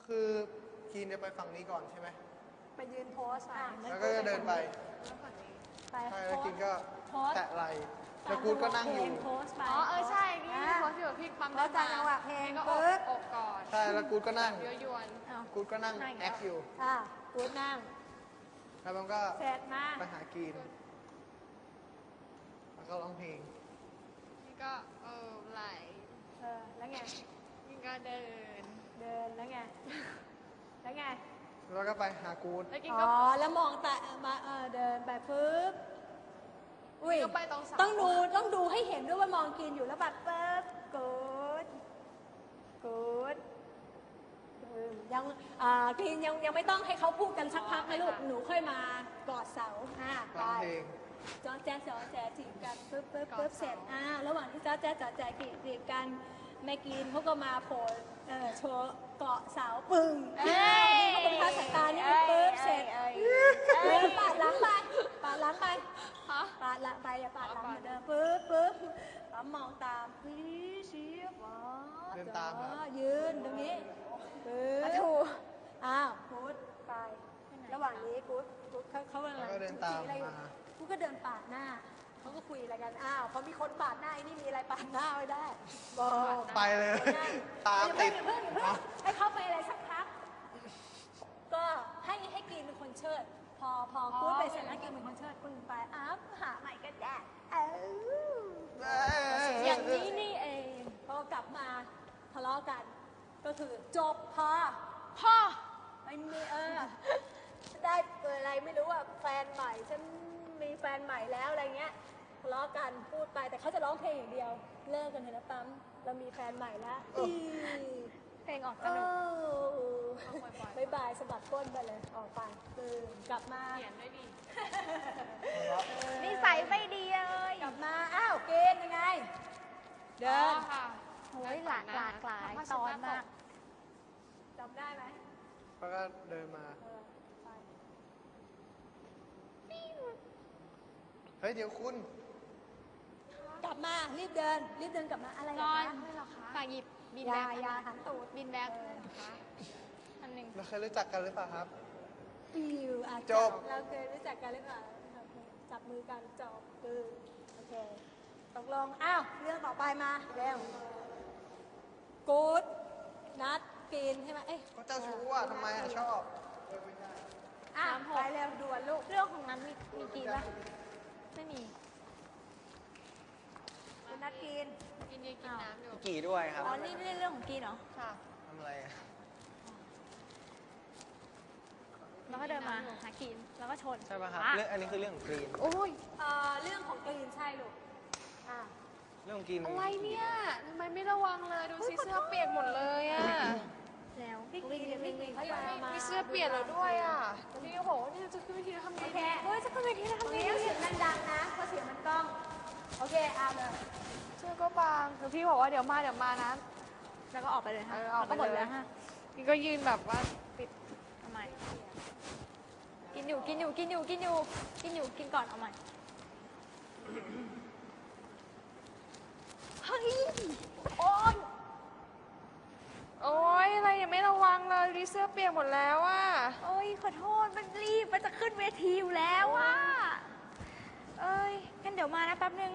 คือกีนจะไปฝั่งนี้ก่อนใช่ไหมไปยืนโพสแล้วก็จะเดินไปไปใช่แล้วกินก็โพสแตะไหลแล้วกูดก็นั่งอยู่โพสไปอ๋อใช่นี่โพสอยู่พี่ปั๊มแล้วจังหวะเพลงก็อปึ๊บอกก่อนใช่แล้วกูดก็นั่งเยอะยวนกูดก็นั่งแอคอยู่กูดนั่งแล้วมันก็เสร็จมาไปหากีนแล้วก็ร้องเพลงนี่ก็ไหลแล้วไงนี่ก็เดินเดินแล้วไงแล้วไงแล้วก็ไปหากูดแล้วกินอ๋ก็อแล้วมองแต่มาเดินไปปึ๊บอุ้ยก็ไปตรงเสาต้องดูให้เห็นด้วยว่ามองกินอยู่แล้วแบบปึ๊บกูดยังกินยังไม่ต้องให้เขาพูดกันสักพักนะลูกหนูค่อยมากอดเสาไปร้องเพลงจอแจ๊จีบกันปึ๊บเสร็จระหว่างที่จอแจ๊จีบกันแม่กินเขาก็มาโผล่โชว์เกาะเสาปึ้งเขาเป็นภาษาตานี่ปึ๊บเสร็จปาดหลังไปปาดหลังไปอย่าปาดหลังเหมือนเดิมปึ๊บแล้วมองตามชี้เดินตามครับยืนตรงนี้ปึ๊บกู๊ดไประหว่างนี้กู๊ดเขากำลังแล้วก็เดินตามมากูก็เดินปาดหน้าเขาก็คุยอะไรกันพอมีคนปาดหน้าไอ้นี่มีอะไรปาดหน้าไม่ได้บอกไปเลย ตามติดอย่าเพิ่งให้เขาไปอะไรสักพักก็ให้กินเป็นคนเชิดพอกู๊ดไปเสร็จแล้วกินเป็นคนเชิดปึ้งไปหาใหม่ก็ได้อย่างนี้นี่เองพอกลับมาทะเลาะกันก็คือจบพ่อไม่มีได้อะไรไม่รู้แฟนใหม่ฉันมีแฟนใหม่แล้วอะไรเงี้ยทะเลาะกันพูดไปแต่เขาจะร้องเพลงอย่างเดียวเลิกกันเถอะนะปั๊มเรามีแฟนใหม่แล้วเพลงออกสนุกบายบายสะบัดก้นไปเลยออกไปกลับมาเขียนด้วยดินิสัยไม่ดีเลยกลับมาเกณฑ์ยังไงเดินค่ะโอ้ยหลากหลายตอนมากจำได้ไหมแล้วก็เดินมาไปเฮ้ยเดี๋ยวคุณกลับมารีบเดินกลับมาอะไรนอนคะฝากหยิบบินแบ็คยาหันตูดบินแบ็คนะคะอันหนึ่งเราเคยรู้จักกันหรือเปล่าครับจบเราเคยรู้จักกันหรือเปล่าจับมือกันจบโอเคตกลงเรื่องต่อไปมาเร็วกู๊ดนัดกินใช่ไหมก็เจ้าชู้ทำไมชอบไปเร็วด่วนลูกเรื่องของนั้นมีกี่ป่ะไม่มีคุณนัดกินกินเยอะกินน้ำอยู่กี่ด้วยครับอ๋อนี่เรื่องของกินเหรอค่ะทำอะไรแล้วก็เดินมาหากินแล้วก็ชนใช่ป่ะครับเรื่องอันนี้คือเรื่องของกรีนโอ้ยเรื่องของกรีนใช่ลูกเรื่องของกรีนอะไรเนี่ยทำไมไม่ระวังเลยดูสิเสื้อเปียกหมดเลยอ่ะแล้วพี่กรีนเขาจะมามีเสื้อเปียกแล้วด้วยอ่ะพี่ก็บอกว่านี่จะขึ้นเวทีแล้วทำไงโอเคเฮ้ยจะขึ้นเวทีแล้วตรทำงไงนี้เสียงดังๆนะเพราะเสียงมันกล้องโอเคเลยเสื้อก็บางคือพี่บอกว่าเดี๋ยวมานะแล้วก็ออกไปเลยค่ะแล้วก็หมดแล้วฮะนี่ก็ยืนแบบว่าปิดทำไมกินก่อนเอาใหม่เฮ้ยโอ๊ยอะไรเนี่ยไม่ระวังเลยดิเสื้อเปียกหมดแล้วอ่ะโอ๊ยขอโทษมันรีบมันจะขึ้นเวทีอยู่แล้วอ่ะเอ้ยงั้นเดี๋ยวมานะแป๊บนึง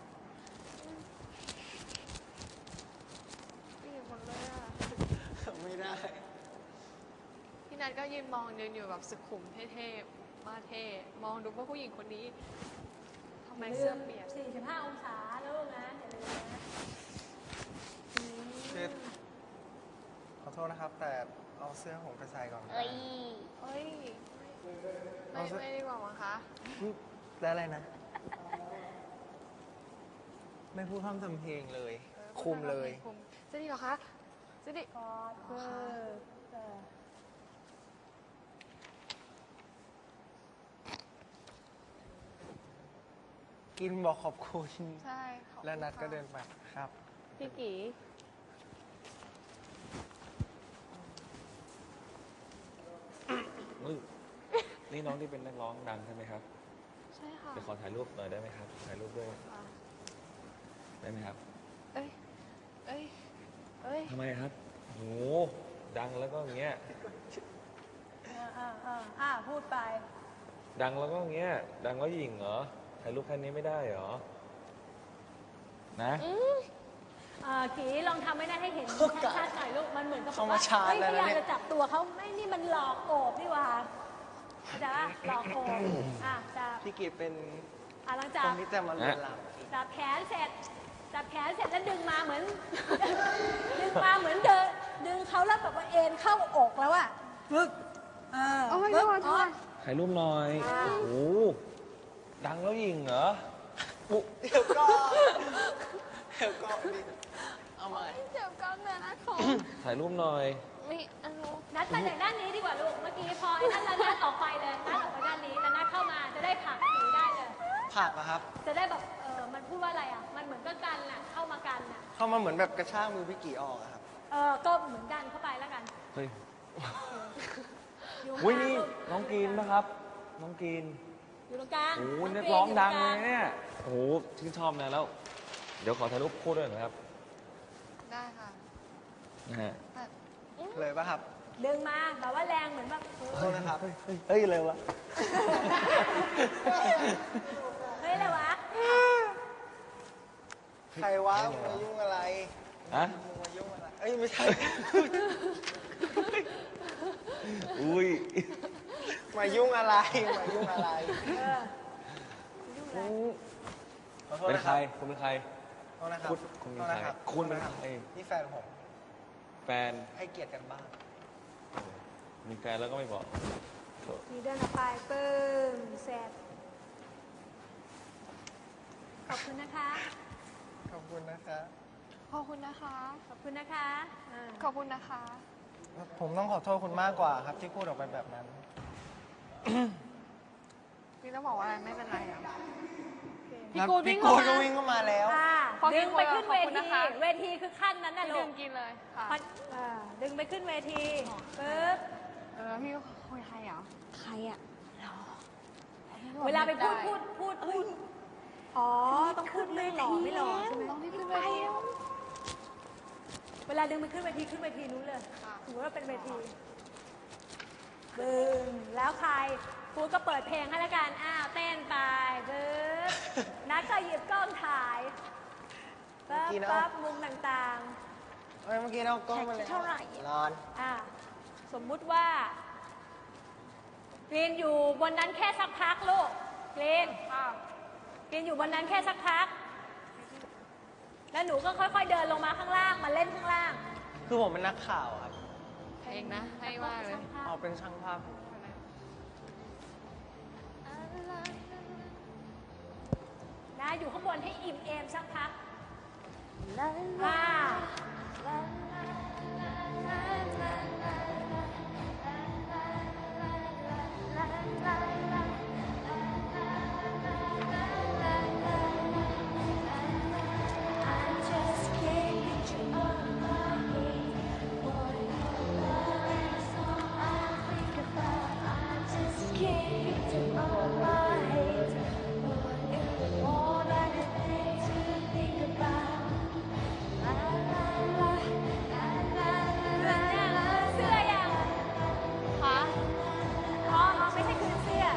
เปียกหมดเลยอ่ะไม่ได้พี่นัทก็ยืนมองเดินอยู่แบบสุขุมเท่ๆมาเท่มองดูว่าผู้หญิงคนนี้ทำไมเสื้อเปียก 45 องศาลูกนะอย่าลืมนะคือขอโทษนะครับ แต่เอาเสื้อผมไปใส่ก่อนเอ้ยไม่ดีกว่ามั้งคะแล้วอะไรนะ ไม่พูดพร่ำทำเพลงเลย คุมเลยจะดีเหรอคะจะดีกอดกินบอกขอบคุณใช่ขอบคุณแล้วนัดก็เดินไปครับพี่กีนี่น้องที่เป็นนักร้องดังใช่ไหมครับใช่ค่ะเดี๋ยวขอถ่ายรูปหน่อยได้ไหมครับ ถ่ายรูปด้วยได้ไหมครับเอ้ยทำไมครับโหดังแล้วก็อย่างเงี้ยพูดไปดังแล้วก็อย่างเงี้ย ดังแล้วหยิ่งเหรอ ถ่ายรูปแค่นี้ไม่ได้เหรอ นะกีลองทำไม่ได้ให้เห็นชัดๆหน่อยลูก มันเหมือนกับเข้ามาชาร์จเฮ้ยแล้วพยายามเนี่ยจะจับตัวเขาไม่นี่มันหลอกโอบนี่หว่าเข้าใจปะหลอกโอบจับพี่กีเป็นหลังคจากนที่จะมาลวนลามจับแขนเสร็จแล้วดึงมาเหมือน ดึงมาเหมือนเดินดึงเขาแล้วแบบว่าเอ็นเข้าอกแล้วอะปึ๊กโอ้ยปึ๊กโทษถ่ายรูปหน่อย โอ้โห ดังแล้วหยิ่งเหรออุ๊เดี๋ยวก็เดี๋ยวก็ดิเอาใหม่เจ็บกล้ามเนื้อนะของถ่ายรูปหน่อยไม่เอานัดมาจากด้านนี้ดีกว่าลูก เมื่อกี้พอไอ้นั่นแล้วนัดออกไปเลย นัดออกไปด้านนี้แล้วนัดเข้ามาจะได้ผลักหนีได้เลยผักอะครับจะได้แบบมันพูดว่าอะไรอ่ะ มันเหมือนก็กันน่ะ เข้ามากันน่ะเข้ามาเหมือนแบบกระชากมือพี่กีออกอะครับก็เหมือนกันเข้าไปแล้วกันเฮ้ยอยู่อุ้ยข้างนี่ลูกน้องกรีนนะครับ น้องกรีนอยู่ตรงกลางโอ้โหน้นักกร้องดังอเลยตรกาเนี่ย โอ้โหชื่นชอบนะแล้ว เดี๋ยวขอถ่ายรูปคู่ด้วยหน่อยครับได้ค่ะนะฮะเลยปะครับดึงมาแบบว่าแรงเหมือนแบบโทษนะครับเฮ้ยเลยวะเฮ้ยอะไรวะใครวะมึงมายุ่งอะไรฮะมึงมายุ่งอะไร เอ้ยไม่ใช่อุ้ยมายุ่งอะไร มายุ่งอะไร ขอโทษเป็นนะใคร คุณเป็นใครโทษนะครับคุณโทเป็นษใครนะครับคุณเป็นใครนี่แฟนผมแฟนให้เกียรติกันบ้างมีแฟนแล้วก็ไม่บอกโถ่มีเดินออกไปปึ้มเสร็จขอบคุณนะคะขอบคุณนะคะขอบคุณนะคะขอบคุณนะคะอ่าขอบคุณนะคะผมต้องขอโทษคุณมากกว่าครับที่พูดออกไปแบบนั้นพี่ต้องบอกว่าอะไรไม่เป็นไรอ่ะพี่แล้วกูดพี่วิ่งกูเข้าก็มาวิ่งเข้ามาแล้วพอดึงไปขึ้นขอบเวคุณทีนะคะเวทีคือขั้นนั้นน่ะพี่ลูดึกงกินเลยค่ะดึงไปขึ้นเวทีปึ๊บพี่คุยใครอ่ะใครอ่ะเวลาไปพูดอ๋อ ต้องพูดไม่หล่อไม่หล่อใช่ไหมต้องที่ขึ้นไปเวลาดึงไปขึ้นเวทีนู้นเลยถือว่าเป็นเวทีบึ้งแล้วใครครูก็เปิดเพลงให้แล้วกัน อ้าวเต้นไปบึ้บนัดก็หยิบกล้องถ่ายปั๊บเมื่อกี้นะปั๊บมุมต่างเอ้ยเมื่อกี้เรากล้องมาเลยเท่าไหร่ร้อนสมมุติว่ากรีนอยู่บนนั้นแค่สักพักลูกกรีนอยู่บนนั้นแค่สักพัก แล้วหนูก็ค่อยๆเดินลงมาข้างล่าง มาเล่นข้างล่างคือผมเป็นนักข่าวครับเพลงนะ ให้มากเลยออกเป็นช่างภาพนะอยู่ข้างบนให้อิ่มเอมสักพักเสื้อยังค่ะอ๋อไม่ใช่คืนเสื้อ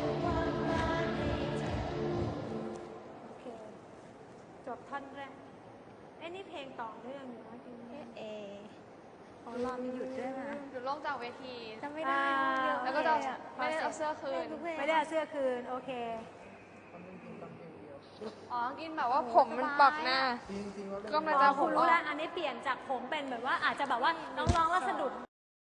โอเค จบท่อนแรกไอ้นี่เพลงต่อเนื่องอยู่นะจริงๆของเรามีหยุดด้วยนะหยุดลงจากเวทีจำไม่ได้เยอะแล้วก็จะโอเคไม่ได้เอาเสื้อคืนไม่ได้เอาเสื้อคืน โอเคอ๋อ กินแบบว่าผมมันปักหน้า ก็มันจะคุณรู้แล้ว อันนี้เปลี่ยนจากผมเป็นแบบว่าอาจจะแบบว่าน้องๆแล้วสะดุด